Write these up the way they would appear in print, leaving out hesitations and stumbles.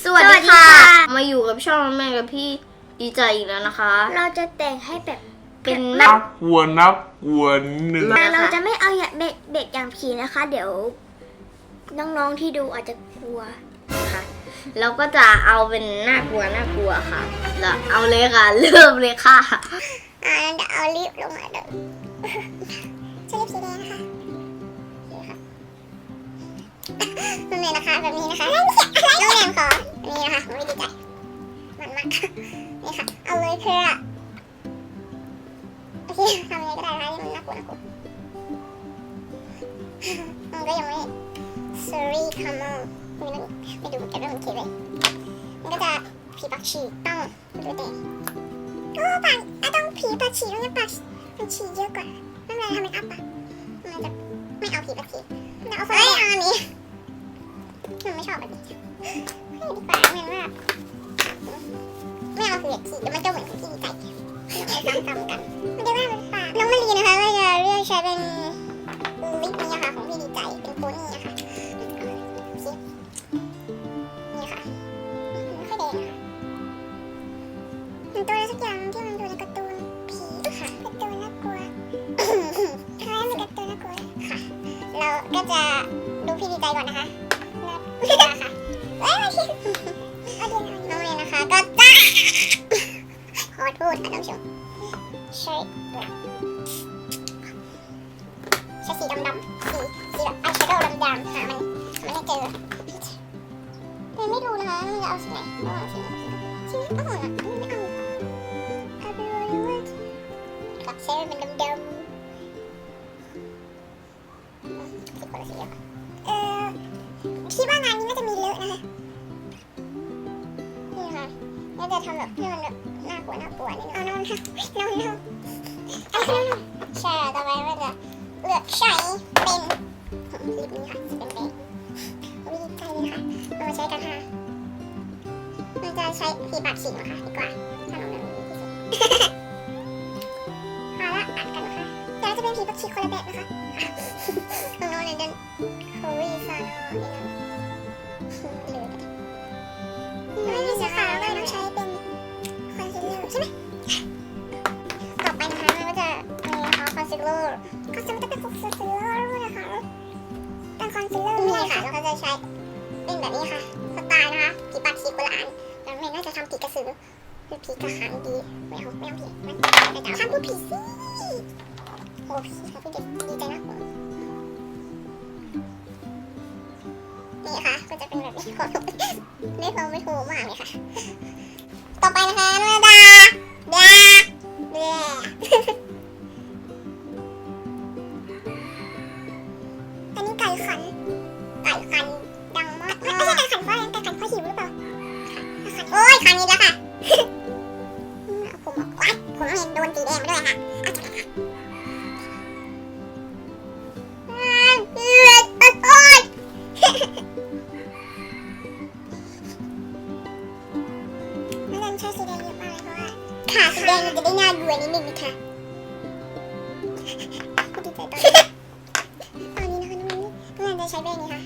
สวัสดีค่ะมาอยู่กับช่องแม่กับพี่ดีใจอีกแล้วนะคะเราจะแต่งให้แบบเป็นนักกลัวหนึ่งแต่เราจะไม่เอาอย่างเด็กอย่างผีนะคะ เดี๋ยวน้องๆที่ดูอาจจะกลัวค่ะเราก็จะเอาเป็นน่ากลัวค่ะแล้วเอาเลยค่ะเริ่มเลยค่ะเดี๋ยวเอาลิปลงมาเดี๋ยวใช้ลิปสีแดงนะคะนี่นะคะแบบนี้นะคะน้องแนมขอนี่นะคะไม่ดีใจมันมากนี่ค่ะเอาเลยค่ะโอเคทำยังไงก็ได้นะคะที่มันน่ากลัวมันก็ยังไม่ sorry come on ไม่ดูแต่เรื่องมันคิดเลยมันก็จะผีปากฉีกต้องดูแต่ปากต้องผีปากฉีกแล้วเนี่ยปากมันฉีกเยอะกว่าไม่เป็นไรทำเป็นอัพปะมันจะไม่เอาผีปากฉีกแต่เอาอันนี้มันไม่ชอบแบบนี้ให้ดีกว่าเหมือนว่าไม่เอาผีปากฉีกมันจะเหมือนของที่ดีใจซ้ำกันไม่ได้ว่ามันปากน้องมะลีนะคะก็จะเลือกใช้เป็นลิปนี้ค่ะของพี่ดีใจเป็นโพนี่นะคะนี่ค่ะไม่ค่อยแดงค่ะมันตัวอะไรสักอย่างที่มันดูในการ์ตูนผีค่ะการ์ตูนน่ากลัวคล้ายเป็นการ์ตูนน่ากลัวค่ะเราก็จะดูพี่ดีใจก่อนนะคะค่ะน้องเลยนะคะก็จ้าขอโทษค่ะท่านผู้ชมใช้สีดำสีแบบอายแชโดว์ดำหามันไม่เจอแต่ไม่รู้นะคะมันจะเอาสีไหนระหว่างสีไหนไม่เอากับเซรั่มเป็นดำสีคนละสีคิดว่างานนี้น่าจะมีเลอะนะคะนี่ค่ะน่าจะทำแบบให้มันแบบน่ากลัวนิดนึงเอานอนค่ะนอนใช่ต่อไปก็จะเลือกใช้เป็นลิปนี้ค่ะจะเป็นแดงวิธีใจเลยค่ะเอามาใช้กันค่ะมันจะใช้ผีปากฉีกนะคะดีกว่าถ้าน้องแบบนี้ที่สุดเอาละอัดกันนะคะเดี๋ยวจะเป็นผีปากฉีกคนละแบบนะคะของน้องเลยเดินโควิซานเหลือไม่มีสีขาวเลยต้องใช้เป็นคอนซีลเลอร์ใช่ไหมต่อไปนะคะมันก็จะมีคอนซีลเลอร์ก็จะไม่ต้องเป็นคอนซีลเลอร์นะคะเป็นคอนซีลเลอร์นี่ค่ะแล้วก็จะใช้เป็นแบบนี้ค่ะสไตล์นะคะผีปากฉีกโบราณแล้วไม่น่าจะทำผีกระสือหรือผีกระหังดีไม่เอาผีมันแต่ทำพูดผีสิโอ้ผีค่ะพี่เด็กดีใจนะนี่ค่ะก็จะเป็นแบบนี้ขอไม่พอไม่ถูกมากเลยค่ะต่อไปนะคะดาอันนี้ไก่ขันดังมากไม่ใช่ไก่ขันเพราะอะไรไก่ขันเพราะหิวหรือเปล่าโอ้ยขันนี้แล้วค่ะผมเห็นโดนสีแดงไปด้วยค่ะใช้สีแดงเยอะมากเลยเพราะว่าขาสีแดงมันจะได้น่าดูนิดนึงนะคะดีใจตอนนี้นะคะน้องเพื่อนจะใช้แบรนด์นี้ค่ะ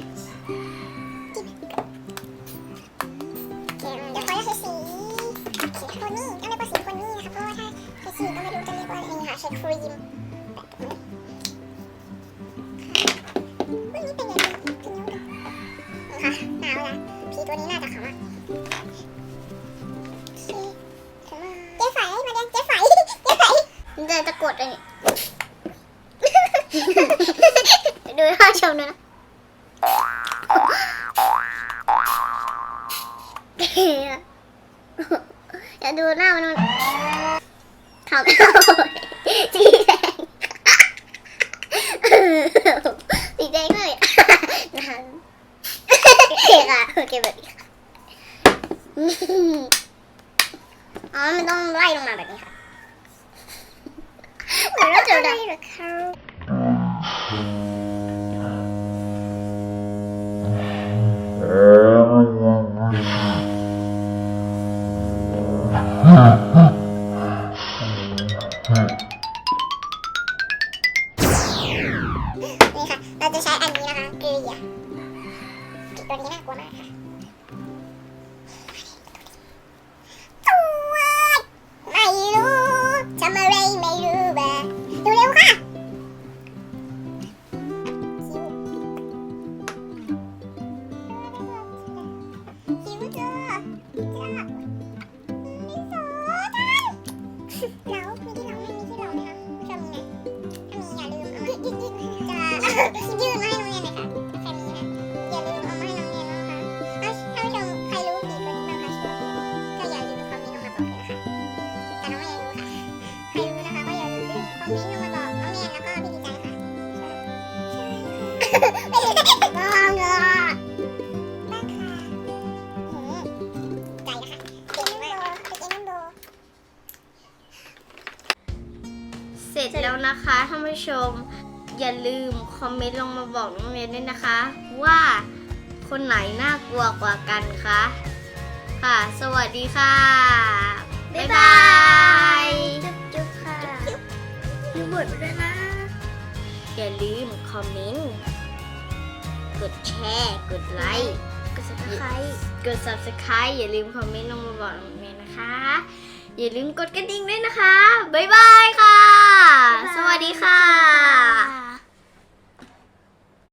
เดี๋ยวเขาจะใช้สีโคนี่ต้องเรียกว่าสีโคนี่นะคะเพราะว่าถ้าใช้สีก็ไม่รู้จะเรียกว่าอะไรค่ะใช้ครีมวันนี้เป็นยังไงกันค่ะหนาวละผีตัวนี้น่าจะขำมากเจ๊ไฝมาเรียนเจ๊ไฝมันจะกดเลยนี่ดูท่าชมนะอย่าดูหน้ามันเขาสีแดงสีแดงเลยนะคะโอเคแบบนี้อ๋อมันต้องไล่ลงมาแบบนี้ค่ะเหมือนเราจะได้หรือเขานี่ค่ะเราจะใช้อันนี้นะคะเกลี่ยตัวนี้น่ากลัวมากค่ะำอะไรไม่รู้บ้าดูเร็วค่ะคิวเจอมีโซดันแล้วมีที่เราไม่มีที่เราไหมคะชอบมีไหมถ้ามีอย่าลืมเอามายื่นมาให้น้องเรียนหน่อยค่ะใครมีนะอย่าลืมเอามาให้น้องเรียนนะคะท่านผู้ชมใครรู้ผีคนนี้บ้างคะชื่อก็อย่าลืมคอมเมนต์ลงมาบอกเลยนะคะแต่น้องเรียนรู้ค่ะใครรู้นะคะก็อย่าลืมคอมเมนต์ลงมาบอกน้องเรียนแล้วก็พี่ดีใจค่ะไม่ได้บ้างอ่ะบ้างค่ะใจนะคะเก่งมากเป็นเอ็นโบเสร็จแล้วนะคะท่านผู้ชมอย่าลืมคอมเมนต์ลงมาบอกน้องเรียนด้วยนะคะ ว่าคนไหนน่ากลัวกว่ากันคะค่ะ สวัสดีค่ะ บ๊ายบายจุ๊บค่ะดูบทไปด้วยนะ อย่าลืมคอมเมนต์กดแชร์กดไลค์กด subscribe อย่าลืมคอมเมนต์ลงมาบอกน้องเรียนนะคะ อย่าลืมกดกระดิ่งด้วยนะคะ บ๊ายบายค่ะ สวัสดีค่ะ